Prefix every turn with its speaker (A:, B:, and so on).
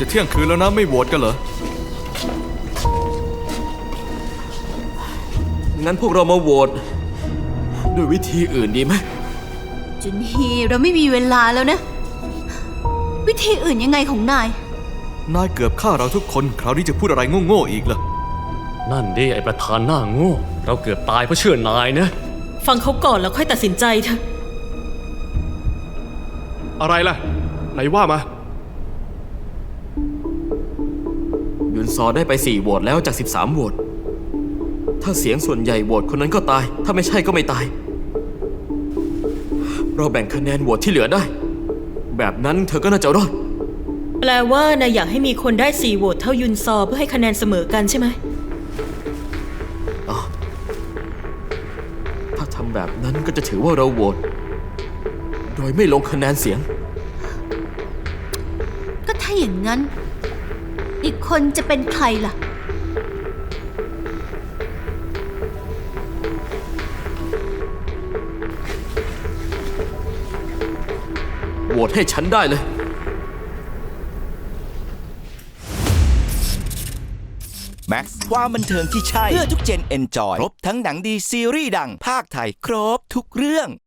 A: จะเที่ยงคืนแล้วนะไม่โหวตกันเหรอ
B: งั้นพวกเรามาโหวตด้วยวิธีอื่นดีไหม
C: จุนฮีเราไม่มีเวลาแล้วนะวิธีอื่นยังไงของนาย
A: เกือบฆ่าเราทุกคนคราวนี้จะพูดอะไรโง่ๆอีกล่ะ
D: นั่นดิไอประธานหน้าโง่เราเกือบตายเพราะเชื่อนายนะ
E: ฟังเขาก่อนแล้วค่อยตัดสินใจเถอะ
F: อะไรล่ะไหนว่ามา
B: ยุนซอได้ไป4 โหวตแล้วจาก13 โหวตถ้าเสียงส่วนใหญ่โหวตคนนั้นก็ตายถ้าไม่ใช่ก็ไม่ตายเราแบ่งคะแนนโหวตที่เหลือได้แบบนั้นเธอก็น่าจะรอด
E: แปลว่านายอยากให้มีคนได้4 โหวตเท่ายุนซอเพื่อให้คะแนนเสมอกันใช่ไหม
B: ถ้าทำแบบนั้นก็จะถือว่าเราโหวตโดยไม่ลงคะแนนเสียง
C: ก็ถ้าอย่างนั้นอีกคนจะเป็นใครล่ะ
B: โหวตให้ฉันได้เลย
G: แม็กซ์ความบันเทิงที่ใช่เพื่อทุกเจนเอนจอยครบทั้งหนังดีซีรีส์ดังภาคไทยครบทุกเรื่อง